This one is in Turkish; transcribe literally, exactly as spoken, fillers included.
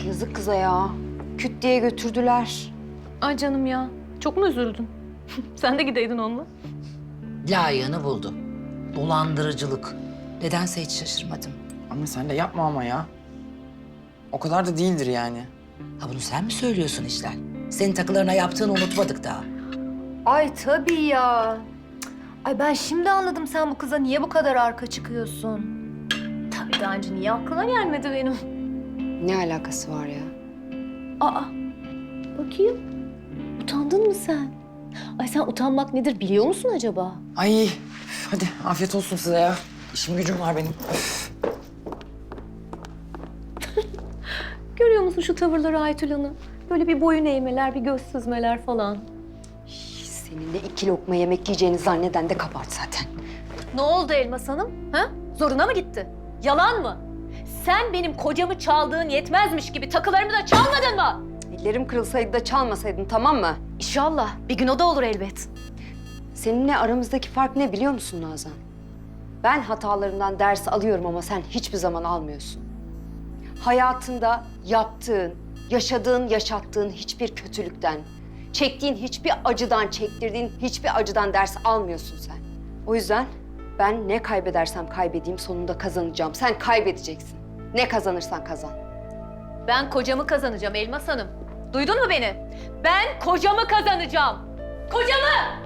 Yazık kıza ya. Küt diye götürdüler. Ay canım ya. Çok mu üzüldün? Sen de gideydin onunla. Layığını buldu. Dolandırıcılık. Nedense hiç şaşırmadım. Ama sen de yapma ama ya. O kadar da değildir yani. Ha bunu sen mi söylüyorsun İşler? Senin takılarına yaptığını unutmadık daha. Ay tabii ya. Cık, Ay ben şimdi anladım sen bu kıza niye bu kadar arka çıkıyorsun. Tabii daha önce niye aklına gelmedi benim? Ne alakası var ya? Aa, bakayım. Utandın mı sen? Ay sen utanmak nedir biliyor musun acaba? Ay üf, hadi afiyet olsun size ya. İşim gücüm var benim. Üf. Görüyor musun şu tavırları Aytül Hanım? Böyle bir boyun eğmeler, bir göz süzmeler falan. Seninle iki lokma yemek yiyeceğini zanneden de kabart zaten. Ne oldu Elmas Hanım? Ha? Zoruna mı gitti? Yalan mı? Sen benim kocamı çaldığın yetmezmiş gibi takılarımı da çalmadın mı? Ellerim kırılsaydı da çalmasaydın, tamam mı? İnşallah. Bir gün o da olur elbet. Seninle aramızdaki fark ne biliyor musun Nazan? Ben hatalarımdan ders alıyorum ama sen hiçbir zaman almıyorsun. Hayatında yaptığın, yaşadığın, yaşattığın hiçbir kötülükten, çektiğin hiçbir acıdan, çektirdiğin hiçbir acıdan ders almıyorsun sen. O yüzden ben ne kaybedersem kaybedeyim sonunda kazanacağım. Sen kaybedeceksin. Ne kazanırsan kazan. Ben kocamı kazanacağım Elmas Hanım. Duydun mu beni? Ben kocamı kazanacağım. Kocamı!